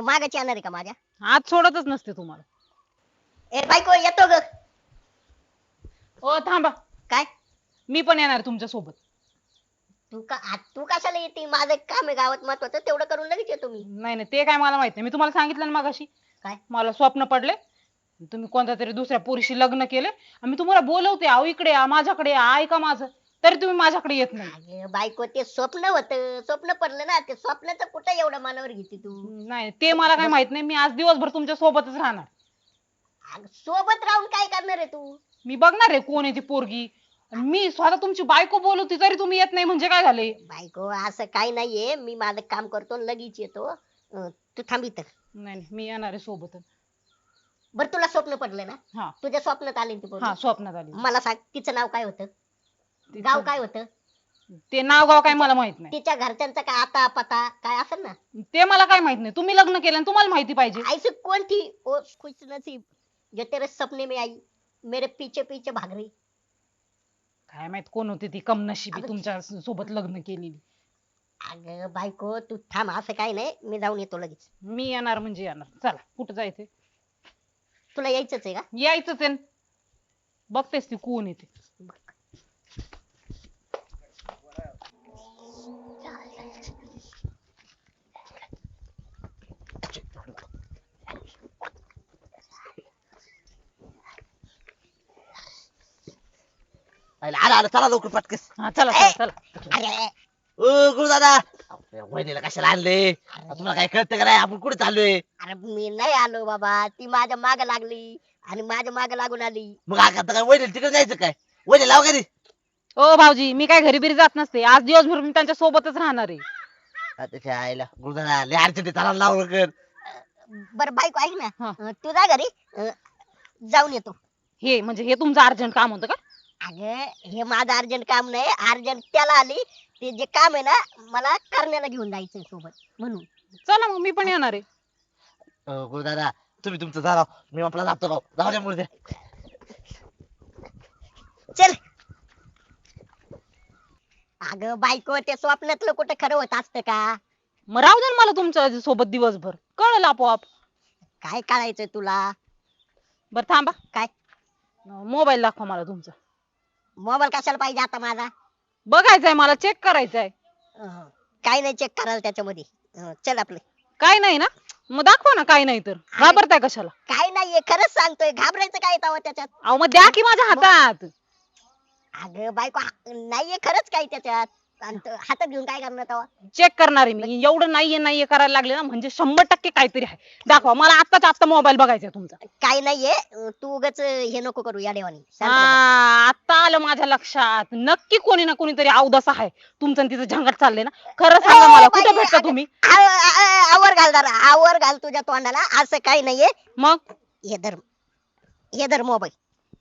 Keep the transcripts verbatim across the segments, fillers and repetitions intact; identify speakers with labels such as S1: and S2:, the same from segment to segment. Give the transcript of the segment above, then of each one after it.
S1: तू मागाची येणार आहे का माझ्या?
S2: आज सोडतच नसते तुम्हाला.
S1: ए बायको येतो ग.
S2: ओ थांबा,
S1: काय
S2: मी पण येणार तुमच्या सोबत.
S1: तू का आ- तू कशाला येते? माझं काम आहे गावात महत्वाचं, तेवढं करून लगेच येतो मी.
S2: नाही नाही ते काय मला माहित नाही. मी तुम्हाला सांगितलं ना मगाशी,
S1: काय
S2: मला स्वप्न पडले तुम्ही कोणत्या तरी दुसऱ्या पुरुषी लग्न केले आणि मी तुम्हाला बोलवते, अहो इकडे या, माझ्याकडे या, ऐका माझं, तरी तुम्ही माझ्याकडे येत नाही.
S1: अगं बायको ते स्वप्न होतं, स्वप्न पडलं ना, ते स्वप्नाचं कुठं एवढं मनावर घेते तू?
S2: नाही ते मला काय माहित नाही. मी आज दिवसभर तुमच्या सोबतच राहणार.
S1: अगं, सोबत राहून काय करणार आहे तू?
S2: मी बघणार आहे कोण आहे ती पोरगी. आणि मी स्वतः तुमची बायको बोलवते तरी तुम्ही येत नाही म्हणजे काय झाले?
S1: बायको असं काही नाहीये, मी माझं काम करतो आणि लगेच येतो. अं, तू थांब इथं.
S2: नाही नाही, मी येणार आहे सोबत.
S1: बरं तुला स्वप्न पडलं ना?
S2: हा
S1: तुझ्या स्वप्नात आली ती पोरगी.
S2: हा स्वप्नात आली.
S1: मला सांग तिचं नाव काय होतं?
S2: तिचं-
S1: गाव काय होतं?
S2: ते नाव गाव काय मला माहित नाही.
S1: तिच्या घरच्यांचा काय आता पता काय असेल ना?
S2: ते मला काय माहित नाही. तुम्ही लग्न केलं आणि तुम्हाला माहिती पाहिजे.
S1: ऐसी कौन थी ओ खुश नसीब जो तेरे सपने में आई मेरे पीछे पीछे भाग रही?
S2: काय माहित कोण होती ती कमनशिबी
S1: अगं-
S2: तुमच्या सोबत लग्न केलेली.
S1: अगं बायको तू थांब, असं काही नाही, मी जाऊन येतो लगेच.
S2: मी येणार म्हणजे येणार. चला कुठं जायचंय?
S1: तुला यायचंच आहे का?
S2: यायचंच आहे. बघतेस ती कोण येते.
S3: आला आला चला लवकर पटकस.
S2: हा चला चला चला.
S1: अरे
S3: ओ गुरुदादा वहिनीला कशाला आणले? तुम्हाला काय कळतं का नाही आपण कुठे चाललोय?
S1: अरे मी नाही आलो बाबा, ती माझ्या माग लागली आणि माझ्या माग लागून आली.
S3: मग आता काय वहिनीला तिकडे जायचं काय? वहिनी लाव घरी.
S2: ओ भाऊजी मी काय घरी बिरी जात नसते. आज दिवसभर मी त्यांच्या सोबतच राहणार आहे.
S3: त्याच्या आईला गुरुदादा लय अडचण आहे, चला लाव लवकर.
S1: बरं बायको ऐक ना,
S2: हा.
S1: अं, तू जा घरी, अं, जाऊन येतो.
S2: हे म्हणजे हे तुमचं अर्जंट काम होतं का?
S1: अगं हे माझं अर्जंट काम नाही, अर्जंट त्याला आली. ते जे काम आहे ना, मला करण्याला घेऊन जायचंय सोबत म्हणून.
S2: चला मग मी पण येणार आहे.
S3: अ, गुरुदादा तुम्ही तुमचं जा राव, मी आपला जातो राव. जाऊ द्या मुळे
S1: चल. अगं बायको ते स्वप्नातलं कुठं खरं होत असतं का?
S2: मग राहू दे ना मला तुमच्या सोबत दिवसभर, कळलं आपोआप.
S1: काय कळायचंय तुला?
S2: बरं थांबा,
S1: काय
S2: मोबाईल दाखवा मला तुमचा.
S1: मोबाईल कशाला पाहिजे आता माझा?
S2: बघायचंय मला, चेक करायचंय.
S1: अं, काय नाही चेक करायला त्याच्यामध्ये. अं, चल आपले.
S2: काय नाही ना? मग दाखवा ना. काय नाही तर घाबरताय कशाला?
S1: काय नाहीये, खरंच सांगतोय, घाबरायचं काय तवा त्याच्यात?
S2: अहो मग द्या की माझ्या हातात.
S1: अगं बायको हा- नाहीये खरंच काय त्याच्यात. आणि तो हातात घेऊन काय करणार तवा?
S2: चेक करणार आहे मी. एवढं नाहीये नाहीये करायला लागले ना म्हणजे शंभर टक्के काहीतरी आहे. दाखवा मला, आत्ताच आत्ता मोबाईल बघायचा तुमचा.
S1: काय नाहीये, अं, तू उगाच हे नको करू या देवानी. शांत
S2: हा
S1: राहा.
S2: आता आलं माझ्या लक्षात. नक्की कोणी ना कोणीतरी अवदस आहे. तुमचं आणि तिचं झंगाट चाललंय ना. खरं सांगा
S1: ए,
S2: मला,
S1: बाई,
S2: कुठे भेटता
S1: अगं,
S2: तुम्ही?
S1: आव- आ- आवर घाल जरा, आवर घाल तुझ्या तोंडाला. असं काही नाहीये.
S2: मग
S1: हे धर, हे धर मोबाईल.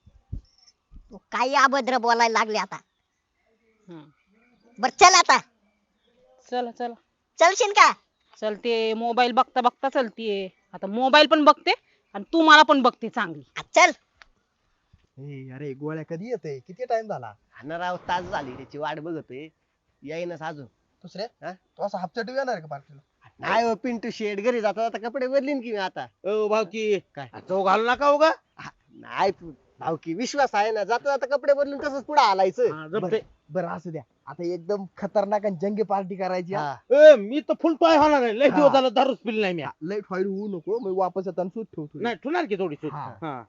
S1: तू काही अभद्र बोलायला लागले आता.
S2: हम्म.
S1: बर चल आता.
S2: चला चला
S1: चलशील का?
S2: चलते. मोबाईल बघता बघता चलतीये. आता मोबाईल पण बघते आणि तू मला पण बघते चांगली.
S1: आ, चल.
S4: ए, अरे गोळ्या कधी येते? किती टाइम झाला?
S5: हा राव, तास झाली त्याची वाट बघतोय, येईनच अजून.
S4: दुसरे
S5: हा?
S4: तू असं हप्त्यात येणार आहे का पार्टीला?
S5: नाही हो, पिंटू शेड घरी जाता जाता कपडे बदलीन की मी आता.
S3: ओ भाऊकी
S5: काय?
S3: तो घालू नका हो उगा.
S5: नाही भाऊकी विश्वास आहे ना, जाता जाता कपडे बदलून तसंच पुढे आलायचं.
S3: हा, जमतंय.
S4: बरं असू द्या, आता एकदम खतरनाक आणि जंगी पार्टी करायची हा.
S5: हा.
S3: ए, मी तर फुल टॉय होणार नाही. लय
S4: हा.
S3: दिवस झालं दारूच पिली नाही मी.
S4: लई फाईल होऊ नको, मी वापस येताना सूट ठेवतो.
S3: नाही ठुणार की थोडी सूट.
S4: हा.
S3: हा.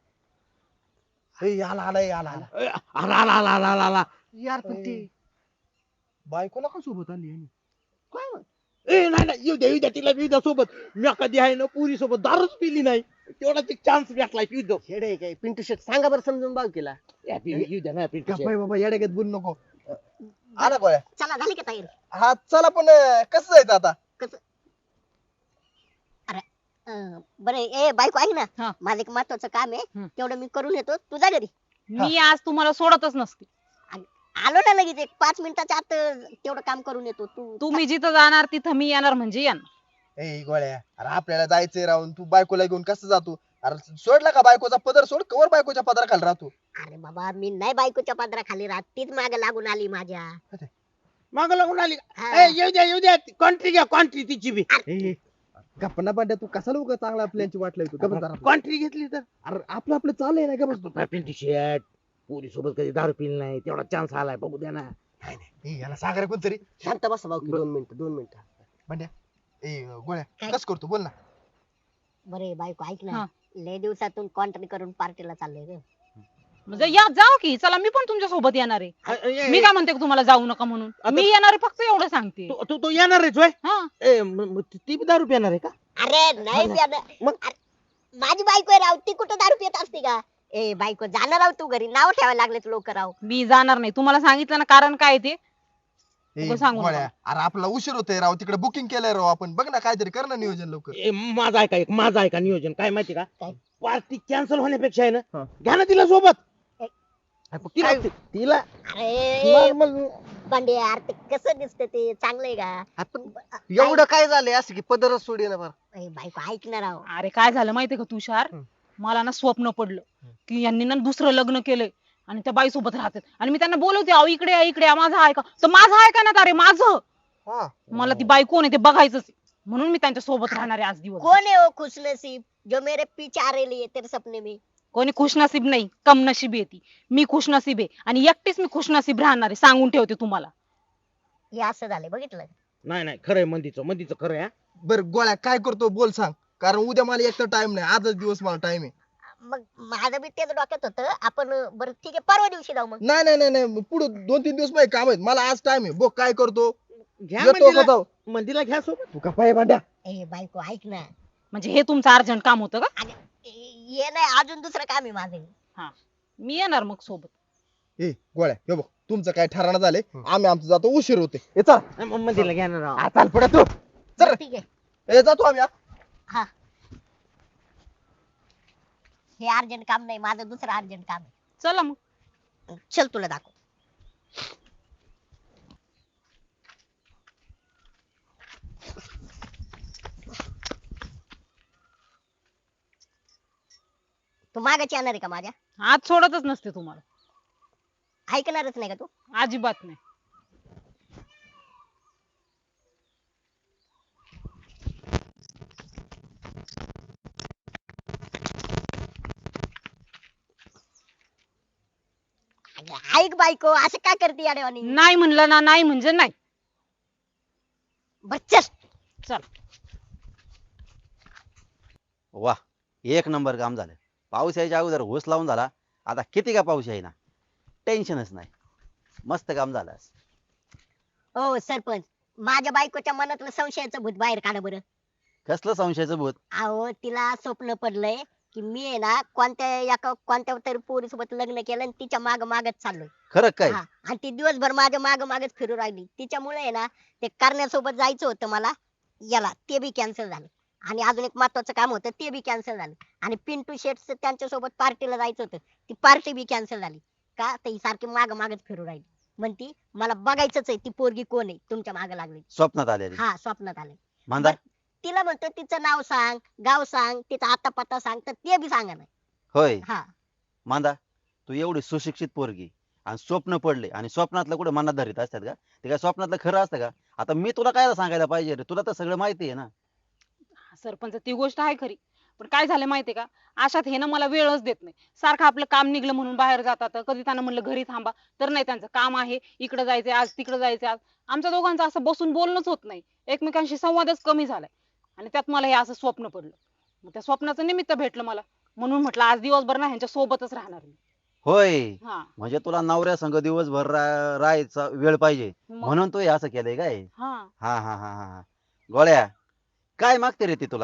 S4: ए, आला आला ए, आला आला
S3: ए, आला आला आला आला आला आला.
S5: यार पण
S4: ए,
S5: ती
S4: बायकोला का सोबत आली यांनी?
S3: काय म्हण- ए नाही नाही, येऊ द्या येऊ द्या तिला येऊ द्या सोबत. मी कधी आहे ना पुरी सोबत दारूच पिली नाही. तेवढाच एक चान्स भेटलाय येऊ द्या.
S5: शेड आहे काय पिंटू शेड? सांगा बरं समजून भाऊकीला.
S3: या, येऊ येऊ द्या ना पिंटू शेट.
S4: गप्प आहे बाबा, येड्यागत बोलू नको. आला गोळ्या.
S1: चला झाली का तयारी?
S4: हा चला, पण अं, कसं जायचं आता?
S1: अं, बरं ए बायको ऐक
S2: हा.
S1: ना, माझं एक महत्वाचं काम आहे.
S2: हम्म.
S1: तेवढं मी करून येतो, तू जा घरी.
S2: मी आज तुम्हाला सोडतच नसते.
S1: आलो ना लगेच, एक पाच मिनिटाच्या आत अं, तेवढं काम करून येतो. तू
S2: तुम्ही जिथं जाणार तिथं मी येणार म्हणजे येणार.
S4: ए गोळ्या, अरे आपल्याला जायचंय राहून तू बायकोला घेऊन कसं जातो? अरे सोडला का बायकोचा पदर? सोड, कवर बायकोच्या पदराखाली राहतो.
S1: अरे बाबा मी नाही बायकोच्या पदराखाली राहत, तीच माग लागून आली माझ्या.
S3: मागं लागून आली.
S1: हा.
S3: ए, येऊ द्या येऊ द्या. कॉन्ट्री घ्या, कॉन्ट्री तिची बी.
S4: ए, गप्पा पांड्या तू कसा लोक चांगला प्लॅनची वाट लावतो का बस जरा.
S3: कॉन्ट्री घेतली तर
S4: अरे आपलं आपलं चाललंय ना का बस
S3: पिंटी शेट पोरी सोबत कधी दारू पिली नाही तेवढा चान्स आलाय बघू द्या ना.
S4: ए, याला सागर कोणतरी
S5: शांत बसा भाऊ की दोन मिनिटं दोन मिनिटं
S4: पांड्या ए गोळ्या
S1: काय?
S4: कस करतो बोल ना.
S1: बरे बायको ऐक
S2: हा.
S1: ना, लय दिवसातून कॉन्ट्री करून पार्टीला चाललोय रे.
S2: म्हणजे या जाऊ की चला मी पण तुमच्या सोबत येणार आहे.
S3: अ, ए,
S2: मी काय म्हणते का तुम्हाला जाऊ नका म्हणून
S3: आता-
S2: मी येणार आहे फक्त एवढं सांगते.
S3: तू तू- तू येणार आहेस होय?
S2: हा
S3: ए म- म- ती बी दारू पिणार आहे का?
S1: अरे नाही प्यानं.
S3: मग?
S1: अरे, माझी बायको आहे राव, ती कुठं दारू पित असते का? ए बायको जाणार राव तू घरी, नाव ठेवायला लागलेत लोक राव.
S2: मी जाणार नाही तुम्हाला सांगितलं ना कारण काय ते.
S4: ए,
S2: नको सांगू
S4: गोळ्या
S2: नका.
S4: अरे आपला उशीर होतोय राव तिकडे बुकिंग केलंय राव आपण बघ ना काहीतरी कर ना नियोजन लवकर.
S3: ए माझा आहे का एक माझा आहे का नियोजन काय माहिती का?
S1: काय?
S3: पार्टी कॅन्सल होण्यापेक्षा आहे
S4: हा.
S3: ना घ्या ना तिला सोबत.
S1: ए,
S3: तिला तिला
S1: अरे
S5: नॉर्मल
S1: बांडे यार, ते कसं दिसतं ते चांगलंय का?
S5: आपण एवढं काय झालंय असं की पदरच सोडी ना बरं
S1: ए, बायको ऐक ना राव.
S2: अरे काय झालं माहितीये का तुषार
S5: हं.
S2: मला ना स्वप्न पडलं की यांनी ना दुसरं लग्न केलंय आणि त्या बाई सोबत राहतात आणि मी त्यांना बोलवते अहो इकडे या, इकडे या, माझं आहे का तर माझं आहे का ना अरे माझं
S5: हा
S2: मला ती बाई कोण आहे ते बघायचंच आहे. म्हणून मी त्यांच्या सोबत राहणार आहे आज दिवस.
S1: कोण है वो खुशनसीब जो मेरे पीछे आ रही है तेरे सपने में?
S2: कोणी खुशनसीब नाही कमनसीब आहे ती. मी खुशनसीब आहे आणि एकटीच मी खुशनसीब राहणार आहे सांगून ठेवते तुम्हाला.
S1: हे असं झालंय बघितलं.
S3: नाही नाही खरंय मंदीचं मंदीचं खरं आहे हा.
S4: बर गोळ्या काय करतो बोल सांग कारण उद्या मला एक तर टाइम नाही आजच दिवस मला टाइम आहे.
S1: मग माझं बी तेच डोक्यात होतं आपण बरं ठीक आहे परवा दिवशी जाऊ मग.
S4: नाही नाही नाही नाही पुढे दोन तीन दिवस माझे काम आहेत मला आज टाइम आहे बघ काय करतो
S3: घ्या
S4: येतो का
S3: मंदीला
S4: जाऊ
S3: मंदीला घ्या सोबत.
S4: तू का पाय भांड्या.
S1: ए बायको ऐक ना.
S2: म्हणजे हे तुमचं अर्जंट काम होतं का.
S1: ए- हे नाही अजून दुसरं काम आहे माझं.
S2: हा मी येणार मग सोबत.
S4: ए गोळ्या हे बघ तुमचं काय ठराणं झालंय आम्ही आमचं जातो उशीर होते ए चल
S3: ए, म- मंदीला घ्या ना राव.
S4: आ, चाल पडा तू चल
S1: बरं, ठीक आहे.
S4: ए जातो आम्ही हा.
S1: हा हे अर्जंट काम नाही माझं दुसरं अर्जंट काम आहे.
S2: चला मग.
S1: चल तुला दाखव. तू मागाची येणार आहे का माझ्या?
S2: आज सोडतच नसते तुम्हाला
S1: ऐकणारच नाही का तू?
S2: अजिबात नाही.
S1: अगं, ऐक बायको असं काय करते याडेवानी?
S2: नाही म्हणलं ना नाही म्हणजे नाही.
S1: बर चल.
S2: चल.
S6: वा एक नंबर काम झालं. पाऊस यायच्या अगोदर होस लावून झाला. आता किती का पाऊस येईना टेन्शनच नाही. मस्त काम झालं.
S1: हो सरपंच, माझ्या बायकोच्या मनातलं संशयाचं भूत बाहेर काढा बरं.
S6: कसलं संशयाचं भूत.
S1: अहो तिला स्वप्न पडलंय की मी आहे ना कोणत्या एका कोणत्या तरी पोरीसोबत लग्न केलं आणि तिच्या माग मागच चाललोय.
S6: खरं काय.
S1: हा, आणि ती दिवसभर माझ्या माग मागच फिरू राहिली. तिच्यामुळे आहे ना ते करण्यासोबत जायचं होतं मला याला, ते बी कॅन्सल झालं. आणि अजून एक महत्वाचं काम होतं ते बी कॅन्सल झालं. आणि पिंटू शेट्स त्यांच्या सोबत पार्टीला जायचं होतं, ती पार्टी बी कॅन्सल झाली. का तर ही सारखी माग मागच फिरू राहिली. म्हणती मला बघायचंच आहे ती पोरगी कोण आहे तुमच्या माग लागली.
S6: स्वप्नात आलेली.
S1: हा स्वप्नात आलंय.
S6: मांदा.
S1: तिला म्हणतो तिचं नाव सांग, गाव सांग, तिचा आता पत्ता सांग, तर ते बी सांगा नाही.
S6: होय
S1: हा
S6: मांदा तू एवढी सुशिक्षित पोरगी आणि स्वप्न पडले आणि स्वप्नातलं कुठे मनात धरीत असतात का. ते काय स्वप्नातलं खरं असतं का. आता मी तुला काय सांगायला पाहिजे रे, तुला तर सगळं माहिती आहे ना.
S2: सरपंच ती गोष्ट आहे खरी पण काय झालं माहितीये का अशात हे ना मला वेळच देत नाही. सारखं आपलं काम निघलं म्हणून बाहेर जातात. कधी त्यांना म्हणलं घरी थांबा तर नाही, त्यांचं काम आहे इकडे जायचंय आज तिकडे जायचंय आज. आमच्या दोघांचं असं बसून बोलणंच होत नाही. एकमेकांशी संवादच कमी झालाय आणि त्यात मला हे असं स्वप्न पडलं. मग त्या स्वप्नाचं निमित्त भेटलं मला म्हणून म्हटलं आज दिवसभर ना ह्यांच्या सोबतच राहणार मी.
S6: होय
S2: हा
S6: म्हणजे तुला नवऱ्या संग दिवसभर रा- राहायचा वेळ पाहिजे
S2: मग-
S6: म्हणून तू हे असं केलंय काय.
S2: हा
S6: हा हा हा हा हा. गोळ्या काय मागते रे ती तुला.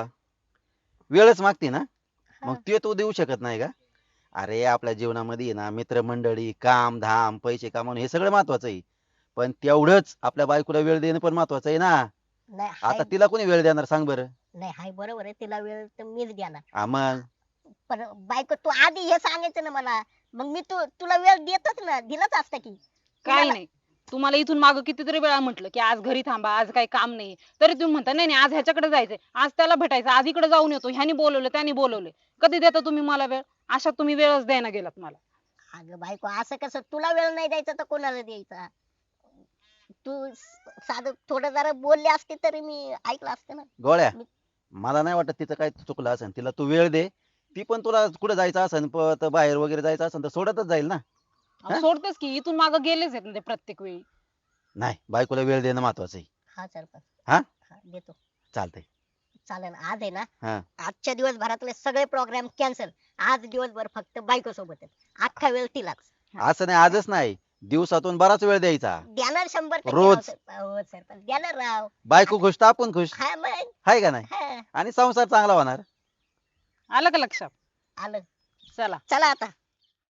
S6: वेळच मागते ना. मग ते तू देऊ शकत नाही का. अरे आपल्या जीवनामध्ये आहे ना मित्रमंडळी काम धाम पैसे कमावणे हे सगळं महत्वाचं आहे. पण तेवढंच आपल्या बायकोला वेळ देणं पण महत्वाचं आहे ना.
S1: नाही
S6: आता
S1: हाय-
S6: तिला कोणी वेळ देणार सांग बरं.
S1: नाही हाय बरोबर आहे, तिला वेळ तर मीच देणार.
S6: हा मग
S1: पण बायको तू आधी हे सांगायचं ना मला, मग मी तू तुला वेळ देतच ना, दिलाच असतं की.
S2: काही
S1: तुम्हाला-
S2: नाही तुम्हाला इथून मागं कितीतरी वेळा म्हटलं की आज घरी थांबा आज काही काम नाही तरी तुम्ही म्हणता नाही नाही आज ह्याच्याकडे जायचंय आज त्याला भेटायचं आज इकडे जाऊन येतो ह्यानी बोलवलं त्यानी बोलवलं. कधी देता तुम्ही मला वेळ. अशा तुम्ही वेळच द्यायला गेलात मला.
S1: अगं बायको असं कसं, तुला वेळ नाही द्यायचा तर कोणाला द्यायचा. तू स- साधं थोडं जरा बोलले असते तरी मी ऐकलं असतं ना.
S6: गोळ्या
S1: मी-
S6: मला नाही वाटत तिचं काय चुकलं असेल, तिला तू वेळ दे. ती पण तुला कुठे जायचं असेल पळत बाहेर वगैरे जायचं असेल तर सोडतच जाईल ना.
S2: अहो,
S6: हा?
S2: सोडतेच की इथून मागं गेलेच आहेत ना ते प्रत्येक वेळी.
S6: नाही, बायकोला वेळ देणं महत्वाचं आहे.
S1: हा सरपंच.
S6: हा?
S1: हा, देतो.
S6: चालतंय.
S1: चालेल आज आहे ना,
S6: हा.
S1: आजच्या दिवसभरातले सगळे प्रोग्राम कॅन्सल. आज दिवसभर फक्त बायको सोबत अख्खा वेळ तिलाच.
S6: असं नाही, आजच नाही, दिवसातून बराच वेळ द्यायचा.
S1: देणार शंभर टक्के
S6: रोज.
S1: राव सर- हो सरपंच देणार राव.
S6: बायको खुश तर आपण खुश,
S1: हा मग.
S6: आहे का नाही?
S1: हा,
S6: आणि संसार चांगला होणार.
S2: आलं का लक्षात?
S1: आलं.
S2: चला.
S1: चला आता.